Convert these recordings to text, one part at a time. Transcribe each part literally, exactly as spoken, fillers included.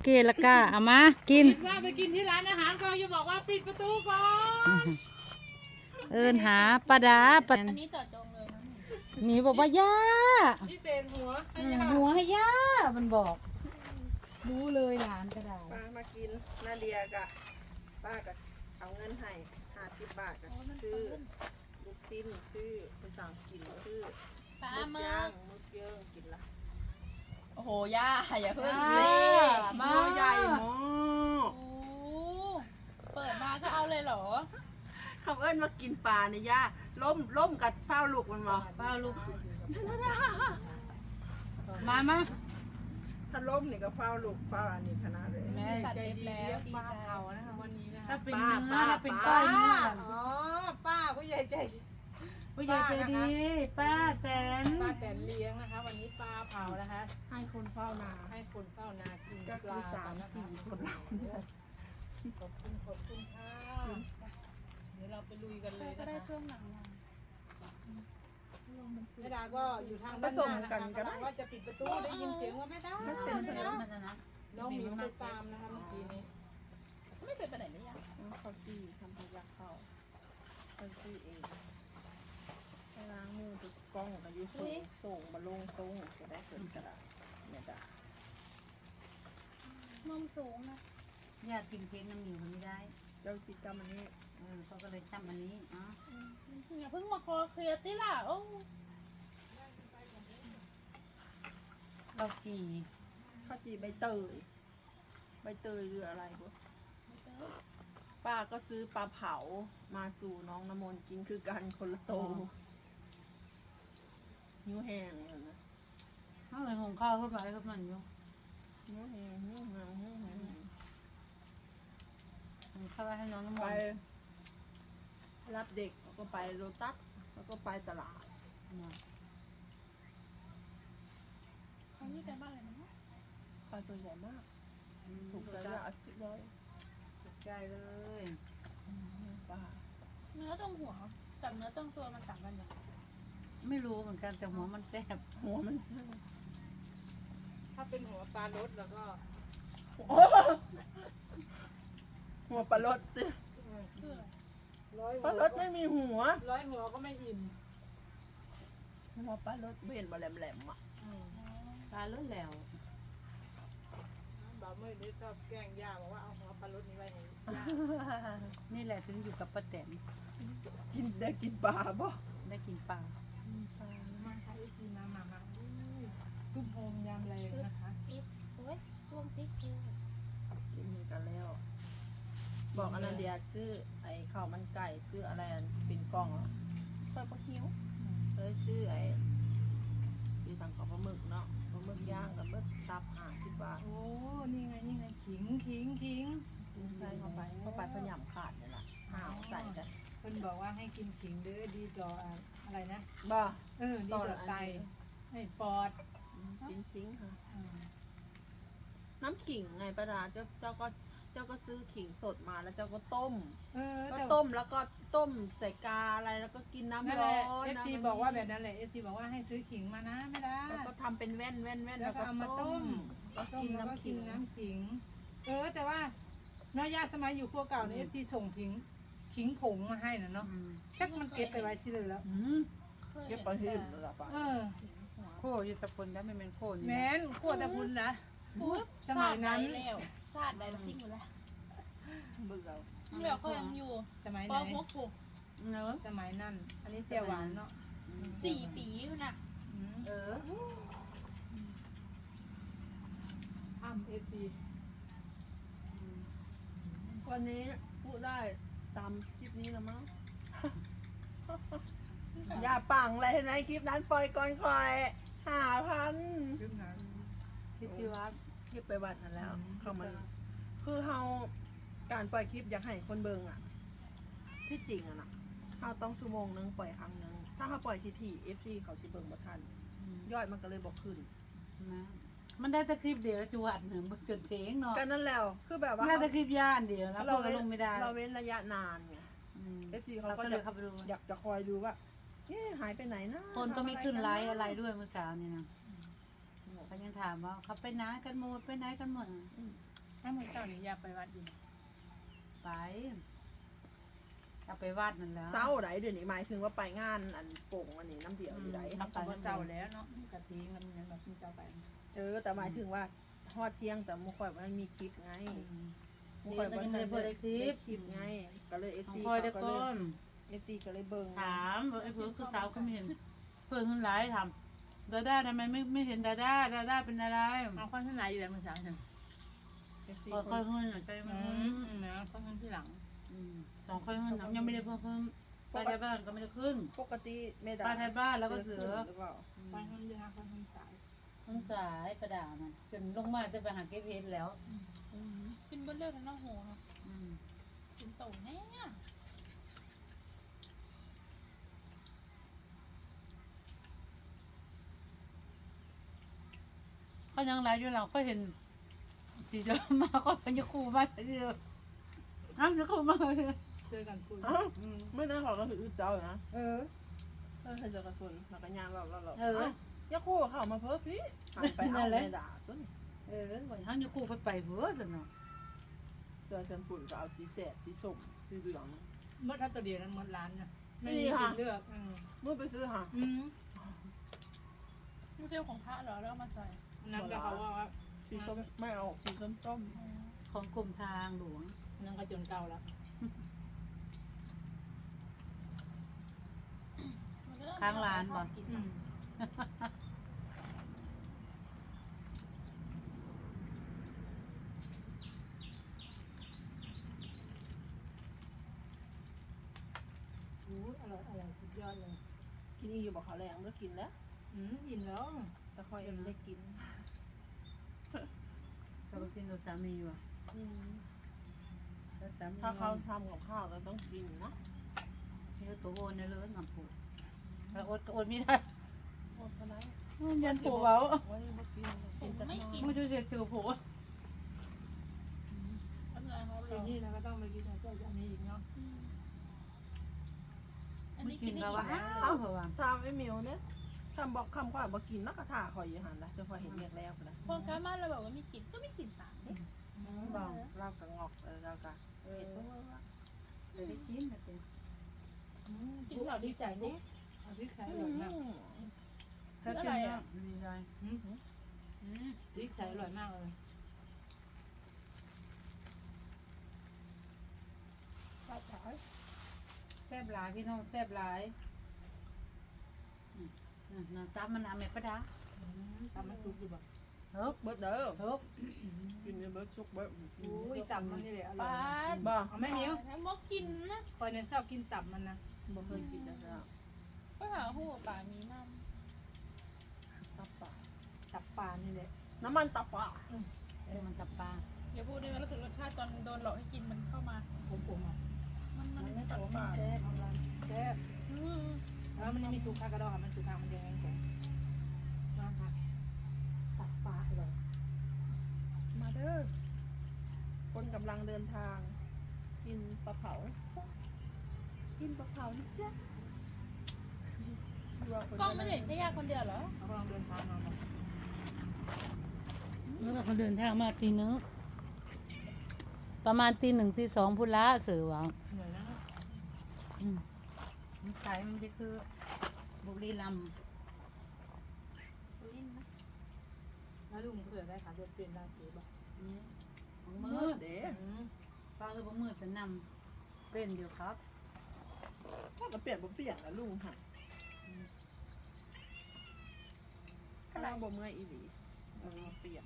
เกละก้าเอามากินว่าไปกินที่ร้านอาหารก็จะบอกว่าปิดประตูก่อนเอินหาปลาดาปลาอันนี้จอดจงเลยนะหมีบอกว่าย่านี่เศษหัวอืมหัวให้ย่ามันบอกรู้เลยหลานก็ได้ป้ามากินนาเดียกะป้าก็เอาเงินให้ห้าสิบบาทก็ซื้อลูกชิ้นซื้อไปสั่งกินซื้อปลาหมึเมืกอย่างมึกเยิ้งกินละโอ้โหย่าอย่าเพิ่งอ่าสิมาตัวใหญ่มากโอ้เปิดมาก็เอาเลยเหรอคำเอิ้นว่ากินปลาเนี่ยย่าล้มล้มกับเฝ้าลูกมันมาเป้าลูกมามาถ้าล้มนี่ก็เฝ้าลูกเฝ้าอันนี้ขนาดเลยแม่จัดใจเต็มดีแล้วดีปลาใจเผานะคะวันนี้นะคะถ้าเป็นเนื้อถ้าเป็นก้อยเนื้ออ๋อป้าผู้ใหญ่ใจดีผู้ใหญ่ใจดีป้าแตนป้าแต่เลี้ยงนะคะ วันนี้ปลาเผานะคะให้คนเฝ้านาให้คนเฝ้านากินก็ปคือลาสามนะคะสี่คนเราขอบคุณขอบคุณค่ะเดี๋ยวเราไปลุยกันเลยก็นะได้คะเครื่องหนังมาแม่ดาก็อยู่ทางผด้านสหมน้ากันะนคะก็ได้ว่าจะปิดประตูได้ยินเสียงว่าแม่ดาไม่เป็นไรแม่ดาน้องหมิวไปตามนะคะเมื่อกี้นี้ไม่เคยไปไหนเลยย่าเขาจี้ทำพยักเข้าเขาจี้เองไปล้างมือถูกกล้องกันอยู่สูงส่งมาลงตรงจะได้เกิดกระดาษเนี่ยจ้ะนมสูงนะญาติกินเค้กน้ำหมิวมันไม่ได้เจ้ากิจกรรมอันนี้เออเขาก็เลยจำอันนี้อ๋ออย่าเพิ่งมาคอเคลียร์ติล่ะโอ้เราจีข้าวจีใบเตยใบเตยหรืออะไรกูป้าก็ซื้อปลาเผามาสู่น้องน้ำมนต์กินคือกันคนละโตนิ้วแห้งเลยนะเขาเลยหุงข้าวเข้าไปเข้ามันอยู่นิ้วแห้งนิ้วแห้งนิ้วแห้งหุงข้าวไว้ให้น้องน้ำมไปนต์รับเด็กแล้วก็ไปโรตัสแล้วก็ไปตลาดเขานี่กันบ้านอะไรนะปลาตัวใหญ่มากถูกแล้วอาสิบร้อยใจเลยปลาเนื้อตรงหัวกับเนื้อตรงตัวมันต่างกันอย่างไม่รู้เหมือนกันแต่หัวมันแซ่บหัวมันถ้าเป็นหัวปลารสแล้วก็หัวปลารสสิคืออะไรร้อยปลารสไม่มีหัวร้อยหัวก็ไม่อิ่มหัวปลารสเห็นบะแหลมๆอ่ะปลาเลือดแล้วบ่าวเมื่อนี้ชอบแกล้งย่าบอกว่าเอาหัวปลารสนี้ไว้ให้ย่านี่แหละถึงอยู่กับป้าแตนกินได้กินปลาป่ะได้กินปลามาค่ะอีกีมามามาตุ้มโฮมยำแรงนะคะติ๊กโอ้ยช่วงติ๊กคือกินนี่กันแล้ว บอกอนาเดียซื้อไอ้ข้าวมันไก่ซื้ออะไรอันเป็นกล่องอ่ะค่อยปะหิวเลยซื้อไอ้ที่ทางของปลาหมึกเนาะปลาหมึกย่างกับหมึกตับห้าสิบบาทโอ้นี่ไงนี่ไงขิงขิงขิงใส่เข้าไปเข้าไปพยายามขาดนี่แหละห้าวใส่กันเพิ่นบอกว่าให้กินขิงเด้อดีต่ออะไรนะบ่เออดีต่อไตให้ปอดกินชิ้งค่ะอืมน้ำขิงไงป้าดาเจ้าเจ้าก็เจ้าก็ซื้อขิงสดมาแล้วเจ้าก็ต้มเออก็แต่ต้มแล้วก็ต้มใส่กาอะไรแล้วก็กินน้ำนั่นร้แหอละนเอฟนะซีบอกว่าแบบนั้นแหละเอฟซีบอกว่าให้ซื้อขิงมานะไม่ได้แล้วก็ทำเป็นแว่นแว่นแว่นแล้แล้ว วก็ก็เอามาต้ต้มมแล้วต้มกินแล้วก็น้ำกิขินงน้ำขิง เออแต่ว่าน้อยญาติสมัยอยู่ครัวเก่าเนี่ยเอฟซีส่งขิงขิงผงมาให้น่ะเนาะอืมชักมันเก็บไปไว้ที่เลยแล้วอืมเคยเก็เห็บนไปที่แต่อื่นแล้วป่ะเออโคอยู่ตะพนแล้วไม่เป็นโคอยู่แม้นขวดตะพุนนะปุ๊บสมัยนั้นชาติใดแล้วชาติใดแล้วทิ้งหมดแล้วเบื่อเราเดี๋ยวเขายังอยู่สมัยปไหนหกถูกเนอะสมัยนั้น อันนี้เจียวหวานเนาะสี่ปีอยู่น่ะอืมเอออ้ำเอฟซีวันนี้พูดได้ตามคลิปนี้แล้วมั้ง อย่าปังเลยเห็นไหมคลิปนั้นปล่อยก่อนคอยห้าพันขึ้นหาทิติวัฒน์คลิปไปวัดนั่นแล้วอืมเขามัน คือเฮาการปล่อยคลิปอยากให้คนเบิงอ่ะ ที่จริงอ่ะนะเฮาต้องชั่วโมงนึงปล่อยครั้งนึงถ้าเฮาปล่อยทีทีเอฟซีเขาสิเบิงบ่ทันยอดมันก็เลยบอกขึ้นนะมันได้แต่คลิปเดียวจวดหนึ่งจนเทงเนาะก็นั่นแล้วคือแบบว่าได้แต่คลิปย่านเดียวแล้วพวกก็ลงไม่ได้เราเว้นระยะนานไงอืมเอฟซีเขาเราก็ก็เลจะยเข้าไปดูอยากจะคอยดูว่าเอ๊ะหายไปไหนนะคนก็ไม่ขึ้นไลฟ์อะไรทำด้วยเมื่อเช้านี่นะเขายังถามว่าเขาไปไหนกันหมดไปไหนกันหมดอืมถ้ามื้อเช้านี้อยากไปวัดอยู่ไปจะไปวัดนั่นแหล้วเศร้าไหนเดี๋ยวนี้หมายถึงว่าไปงานอันโป่งอันนี้น้ำเดียวอยู่ไหนทำกับเจ้าแล้วเนาะกะทิมันยังแบบเจ้าไปเออแต่หมายถึงว่าทอดเที่ยงแต่มุข่อยมันมีคลิปไงมุนี่ข่อยก็มันยังไม่ได้เปิดคลิได้ปคลิปไงก็เลยเอฟของซีคอยเขาได้ก็ก้เลยนเอฟซีก็เลยเบิ่งถามว่าไอ้เพื่อนคือสาวก็ไม่เห็นเพื่อนคนร้ายทำดาด้าทำไมไม่ไม่เห็นดาด้าดาด้าเป็นอะไรเอาข้าวที่ไหนอยู่แล้วมื้อเช้าเนี่ยเอฟซีค่อยค่อยขึ้นใจมันอืมนะข้าวที่หลังสองค่อยขึ้นยังไม่ได้เพิ่มขึ้นป้าไทยบ้านก็ไม่ได้ขึ้นปกติแม่ดาป้าไทยบ้านแล้วก็เสือหรือเปล่าข้าวที่ห้าข้าวที่สายทั้งสายประดามันจนลงมาจะไปหาเก็บเพชรแล้วกินเบนเลือดทั้งน้องโหเนาะอืมกินโตแน่เขายังไลฟ์อยู่เราก็เห็นสีเดิมมาก็เป็นยาคูมาเดียวอ้าวยาคูมาเลยช่วยกันคุยอ้าวไม่น่าเขาก็ถือเจ้าอยู่นะเออเออใครจะกระสุนแล้วก็ย่างเราเราเราเออยาคู่เข้ามาเพิ่มพี่หันไปเอาแม่ดาต้นเออวันทั้งยาคูไปไปเบื่อสิเนาะเสื้อเชิญฝุ่นก็เอาสีแสดสีส้มสีเหลืองมดอัตเดียนั้นมดร้านน่ะไม่มีสิเลือกอืมเมื่อไปซื้อหาอืมไม่ใช่ของพระเหรอแล้วเอามาใส่นั่นก็เขาว่าสีส้มไม่เอาสีส้มส้มของกรมทางหลวงนั่นก็จนเก่าแล้วข้างร้านบ่อืมโอ้อร่อยอร่อยสุดยอดเลยกินอีกอยู่บอกเขาแรงเลิกกินแล้วอืมอิ่มแล้วแต่คอยเองได้กินจะไปกินกับสามีว่ะแล้วสามีถ้าเขาทำกับข้าวเราต้องกินนะนี่ก็ตัวโอนเนี่ยเลยหนักผูแล้วโอนก็โอนไม่ได้โอ้ก็ได้ยันผูเว้าไว้มากินกินแต่น้อยไม่ช่วยเสียตัวผูไม่เป็นไรเขาทีเรานี้เราก็ต้องไปกินกับอันนี้อีกเนาะอันไม่นี้กิกินนแล้วได้ว่ะอีกอ้าวเหรอวะทำไอ้มิวเนี่ยทำบอกคำกว่าบอกกินนักกระถาคอยอยู่หันนะจะคอยเห็นเรียกแล้วนะพอกามาเราบอกว่าไม่กินก็ไม่กินตามเด้บอกเรากระงอกเรากระเห็ดเพิ่มว่าไปกินนะเป็นกินเราดีใจเนี่ยอันที่ใช้อร่อยมากถ้ากินแล้วมีอะไรอืมอืมพริกใช้อร่อยมากเลยปลาจ๋าแซ่บหลายพี่น้องแซ่บหลายนะตามมันน้ำแม่ประดาอืมตำมันซุปอยู่บ่เฮ้ยเบิร์ดเด้อเฮ้ยกินเบิร์ดชุกเบิร์ดอุ้ยตับมันนี่แหละอปร่อลายบ้าเอาแม่หิวถ้าบอกกินนะคอยเนี่ยชอบกินตับมันนะบ่เคยกินนะจ๊ะก็หาหัวปลามีน้ตับปลาตับปลานี่แหละน้ำมันตับปลาเออมันตับปลาำอย่าพูดได้ไหมรู้สึกรสชาติตอนโดนหลอกให้กินมันเข้ามาผมผมอ่ะมันมันมันไม่ตัตับบปลาแซ่บแซ่บอืมแล้วมันยังมีสุกคากระดองมันสุกคามันยังไงแกมาค่ะตับปลาอร่อยมาเด้อคนกำลังเดินทาง กินปลาเผา กินปลาเผานะจ๊ะกล้องไม่เห็นแค่ยาคนเดียวเหรอเขากำลังเดินทางมาเนาะเมื่อเขาเดินทางมาตีนึงประมาณตีหนึ่งตีสองพุนละเสือหวังเหนื่อยนะอืมมันขายมันจะคือบุรีรัมย์ลิ้นนะแล้วลุงเผื่อได้ค่ะจะเปลี่ยนราศีบ่นี่ของมืมือดเด้อืมป้าคือบ่มืดจะนำเป็นเดียวครับถ้าก็เปลี่ยนบ่เปลี่ยนนะลุงค่ะถ้าเราบ่เมื่อยอีหลีเราเปลี่ยน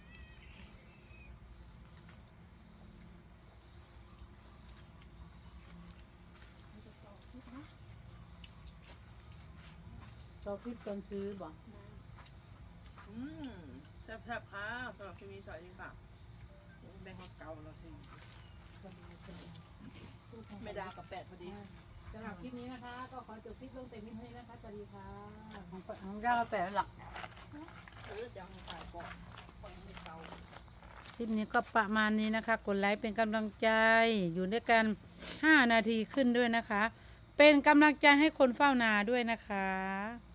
เราคิดกันซื้อบ่อืมแซ่บๆค่ะสำหรับที่มีสายจริงค่ะแบงค์เก่าเราสิไม่ดากับแปดพอดีสำหรับคลิปนี้นะคะ ก็ขอจบคลิปลงแต่นี้เท่านี้นะคะสวัสดีค่ะของของเจ้าแปดหลักเออจะเอาใส่ก่อนก่อนให้เก่าคลิปนี้ก็ประมาณนี้นะคะ กดไลค์เป็นกำลังใจอยู่ด้วยกันห้านาทีขึ้นด้วยนะคะ เป็นกำลังใจให้คนเฝ้านาด้วยนะคะ